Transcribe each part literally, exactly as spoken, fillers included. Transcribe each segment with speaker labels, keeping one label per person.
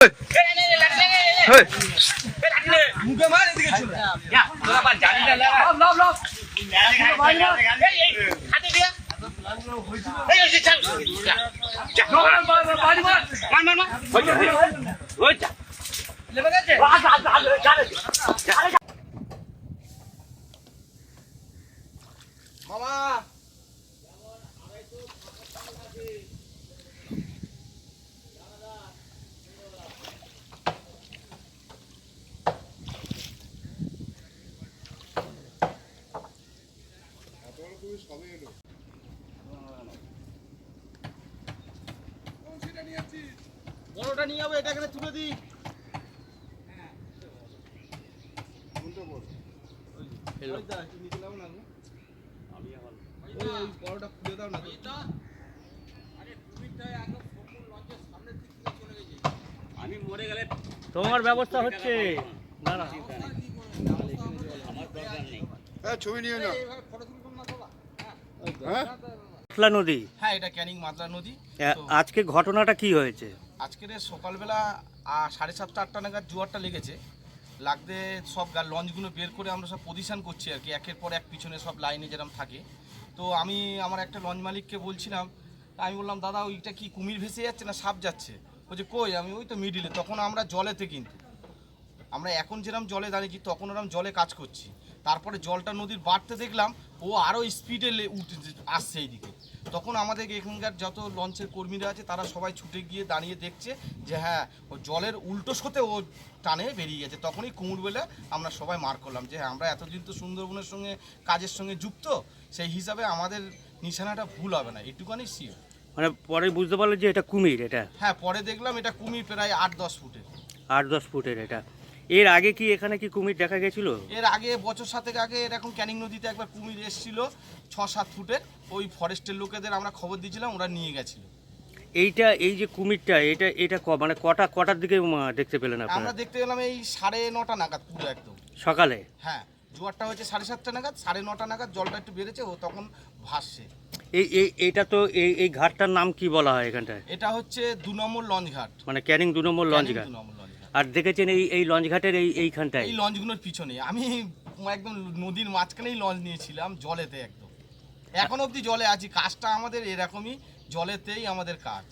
Speaker 1: মুখে মার এদিকে চলে যা তোরা বাদ জানি না লাভ লাভ লাভ হাতে দিয়া এই ওই চল যা বাড়ি মার মার মার মার ওই যা ওই যা লেবে গেছে আ যা যা যা মামা বড়টা নিয়ে যাবো, এটা এখানে তুলে দিই। আমি মরে গেলে তোমার ব্যবস্থা হচ্ছে না না আমার দরকার নেই।
Speaker 2: ছবি নিয়ে না
Speaker 3: মাতলা নদী।
Speaker 4: হ্যাঁ, এটা ক্যানিং মাতলা নদী।
Speaker 3: আজকে ঘটনাটা কি হয়েছে?
Speaker 4: আজকের সকালবেলা সাড়ে সাতটা আটটা নাগাদ জোয়ারটা লেগেছে। লাগতে সব লঞ্চগুলো বের করে আমরা সব পজিশন করছি আর কি, একের পর এক পিছনে সব লাইনে যেরকম থাকে। তো আমি আমার একটা লঞ্চ মালিককে বলছিলাম, আমি বললাম দাদা ওইটা কি কুমির ভেসে যাচ্ছে না সাপ যাচ্ছে? বলছে কই, আমি ওই তো মিডিলে। তখন আমরা জলেতে, কিন্তু আমরা এখন যেরকম জলে দাঁড়িয়েছি তখন ওরকম জলে কাজ করছি। তারপরে জলটা নদীর বাড়তে দেখলাম ও আরও স্পিডে উঠে আসছে এইদিকে। তখন আমাদের এখানকার যত লঞ্চের কর্মীরা আছে তারা সবাই ছুটে গিয়ে দাঁড়িয়ে দেখছে যে হ্যাঁ ও জলের উল্টো স্রোতে ও টানে বেরিয়ে গেছে। তখনই কুমির বলে আমরা সবাই মার করলাম যে হ্যাঁ আমরা এতদিন তো সুন্দরবনের সঙ্গে কাজের সঙ্গে যুক্ত, সেই হিসাবে আমাদের নিশানাটা ভুল হবে না, এটুকুনি শিওর।
Speaker 3: মানে পরে বুঝতে পারলো যে এটা কুমির? এটা
Speaker 4: হ্যাঁ, পরে দেখলাম এটা কুমির প্রায় আট দশ ফুটের।
Speaker 3: আট দশ ফুটের এটা। এর আগে কি এখানে কি কুমির দেখা গেছিল?
Speaker 4: এর আগে বছর সাতেক আগে এরকম ক্যানিং নদীতে একবার কুমির এসেছিল ছ সাত ফুটের। ওই ফরেস্টের লোকেদের আমরা খবর দিয়েছিলাম, ওরা নিয়ে গেছিল।
Speaker 3: এইটা এই যে কুমিরটা এটা এটা মানে কটা কটার দিকে দেখতে পেলেন আপনারা?
Speaker 4: আমরা দেখতে পেলাম এই সাড়ে নটা নাগাদ, পুরো একদম
Speaker 3: সকালে।
Speaker 4: হ্যাঁ, জোয়ারটা হচ্ছে সাড়ে সাতটা নাগাদ, সাড়ে নটা নাগাদ জলটা একটু বেড়েছে, ও তখন ভাসছে।
Speaker 3: এই এই এটা তো এই এই ঘাটটার নাম কি বলা হয় এখানটায়?
Speaker 4: এটা হচ্ছে দু নম্বর লঞ্চ ঘাট,
Speaker 3: মানে ক্যানিং দু নম্বর লঞ্চ ঘাট। আর দেখেছেন এই এই লঞ্চ ঘাটের এই এইখানটায়
Speaker 4: এই লঞ্চগুলোর পিছনে আমি একদম নদীর মাঝখানেই লঞ্চ নিয়েছিলাম, জলেতে একদম। এখন অবধি জলে আছি, কাজটা আমাদের এরকমই, জলেতেই আমাদের কাজ।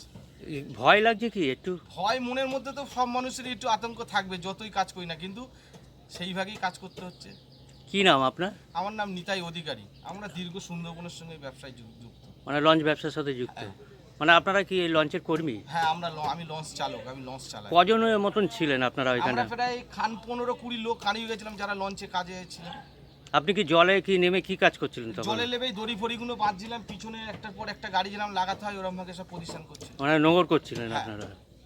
Speaker 3: ভয় লাগছে কি একটু?
Speaker 4: ভয় মনের মধ্যে তো সব মানুষেরই একটু আতঙ্ক থাকবে, যতই কাজ করি না, কিন্তু সেইভাবেই কাজ করতে হচ্ছে।
Speaker 3: কি নাম আপনার?
Speaker 4: আমার নাম নিতাই অধিকারী। আমরা দীর্ঘ সুন্দরবনের সঙ্গে ব্যবসায় যুক্ত।
Speaker 3: মানে লঞ্চ ব্যবসার সাথে যুক্ত? মানে আপনারা কি এই লঞ্চের কর্মী?
Speaker 4: হ্যাঁ, আমরা আমি লঞ্চ চালক, আমি লঞ্চ চালাই।
Speaker 3: কজনের মতন ছিলেন আপনারা ওইখানে?
Speaker 4: আমরা প্রায় খান পনেরো কুড়ি লোক কানিয়ে গেছিলাম যারা লঞ্চে কাজে ছিলেন।
Speaker 3: আপনি কি জলে কি নেমে কি কাজ করছিলেন তখন?
Speaker 4: জলে নেমেই দড়ি ফড়িগুলো বাঁধছিলাম, পিছনে একটার পর একটা গাড়ি যেরকম লাগাতে হয় ওরকম ভাবে সব পজিশন করছি।
Speaker 3: মানে নোঙর করছিলেন আপনারা?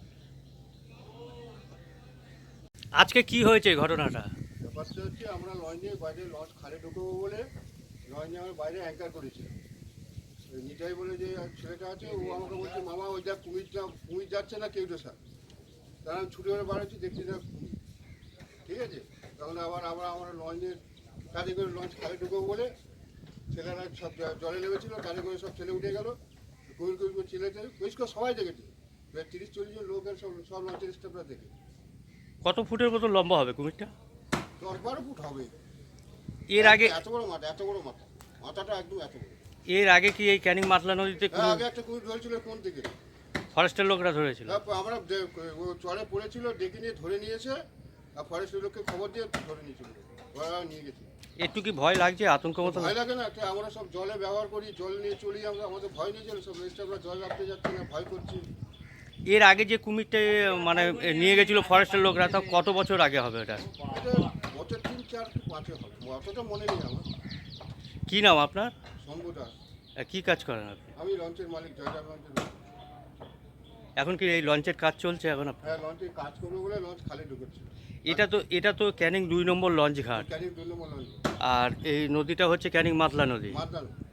Speaker 3: আজকে কি হয়েছে ঘটনাটা?
Speaker 2: ব্যাপারটা হচ্ছে আমরা লঞ্চে বাইরে লঞ্চ খালে ঢুকবো বলে লঞ্চে আমরা বাইরে অ্যাঙ্কার করেছিলাম। নিতাই বলে যে ছেলেটা আছে, ও আমাকে বলছে মামা ওই যা কুমিরটা কুমির যাচ্ছে না কেউটো স্যার। তারা আমি ছুটে করে বাড়াচ্ছি, দেখছি না কুমির। ঠিক আছে, তখন আবার আবার আমরা লঞ্চের কাজে করে লঞ্চ খালে ঢুকবো বলে ছেলেরা সব জলে নেমেছিলো, কাজে করে সব ছেলে উঠে গেল। কুমির কুমির করে ছেলে পরিষ্কার সবাই দেখেছে, তিরিশ চল্লিশ জন লোকের সব সব লঞ্চের স্টাফরা দেখে।
Speaker 3: কত ফুটের মতো লম্বা হবে কুমিরটা?
Speaker 2: দশ বারো ফুট হবে।
Speaker 3: এর আগে
Speaker 2: এত বড় মাথা, এত বড় মাথা, মাথাটা একদম এত বড়।
Speaker 3: এর আগে কি এই ক্যানিং মাতলা নদীতে
Speaker 2: আগে একটা কুমির ধরেছিল কোন দিকে?
Speaker 3: ফরেস্টের লোকরা ধরেছিল।
Speaker 2: আমরা ও চরে পড়েছিল, ডেকে নিয়ে ধরে নিয়েছে, আর ফরেস্টের লোককে খবর দিয়ে ধরে নিয়েছিল, ওরা নিয়ে গেছে।
Speaker 3: একটু কি ভয় লাগছে, আতঙ্ক মতো?
Speaker 2: ভয় লাগে না, আমরা সব জলে ব্যবহার করি, জল নিয়ে চলি, আমরা আমাদের ভয় নেই, চলে সব আমরা জল রাখতে যাচ্ছি না, ভয় করছি।
Speaker 3: এর আগে যে কুমিরটা মানে নিয়ে গেছিল ফরেস্টের লোকরা, তা কত বছর আগে হবে এটা?
Speaker 2: এটা বছর তিন চার পাঁচে হবে, অতটা মনে নেই আমার।
Speaker 3: কি নাম আপনার?
Speaker 2: শম্ভু দাস।
Speaker 3: কি কাজ করেন আপনি?
Speaker 2: আমি লঞ্চের মালিক, জয়রাম লঞ্চের মালিক।
Speaker 3: এখন কি এই লঞ্চের কাজ চলছে এখন?
Speaker 2: হ্যাঁ, লঞ্চে কাজ করবো বলে লঞ্চ খালি ঢুকেছে।
Speaker 3: এটা তো এটা তো ক্যানিং দুই নম্বর লঞ্চ ঘাট,
Speaker 2: ক্যানিং দুই নম্বর লঞ্চ।
Speaker 3: আর এই নদীটা হচ্ছে ক্যানিং মাতলা নদী।
Speaker 2: মাতলা